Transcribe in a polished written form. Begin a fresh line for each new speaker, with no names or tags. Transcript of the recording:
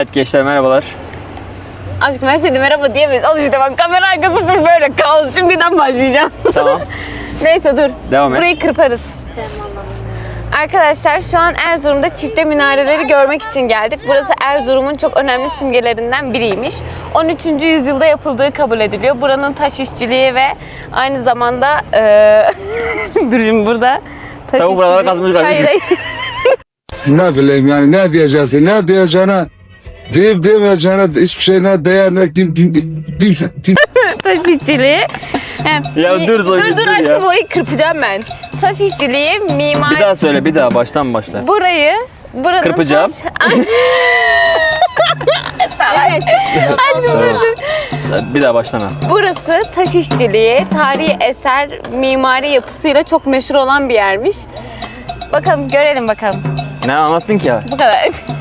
Evet gençler merhabalar.
Aşkım her şeyde merhaba diyemeyiz. Al işte bak kamera arkası full böyle kaos. Şimdiden başlayacağım.
Tamam.
Neyse dur.
Devam et.
Burayı kırparız. Arkadaşlar şu an Erzurum'da çifte minareleri görmek için geldik. Burası Erzurum'un çok önemli simgelerinden biriymiş. 13. yüzyılda yapıldığı kabul ediliyor. Buranın taş işçiliği ve aynı zamanda dur şimdi burada taş
Tabii buralara kazmış kardeşim.
Hayır.
Ne bileyim yani ne diyeceksin, ne diyeceğine, deyip demeyeceğine hiçbir şey ne değer ne
Taş işçiliği.
Ya dur Zoe, dur
aşkım
ya.
orayı kırpacağım ben. Taş işçiliği, mimar...
Bir daha söyle bir daha baştan başla.
Buranın
Kırpacağım.
Evet. Aşkım
Tamam. Bir daha baştan al.
burası taş işçiliği, tarihi eser, mimari yapısıyla çok meşhur olan bir yermiş. Bakalım görelim bakalım.
Ne anlattın ki ya?
Bu kadar.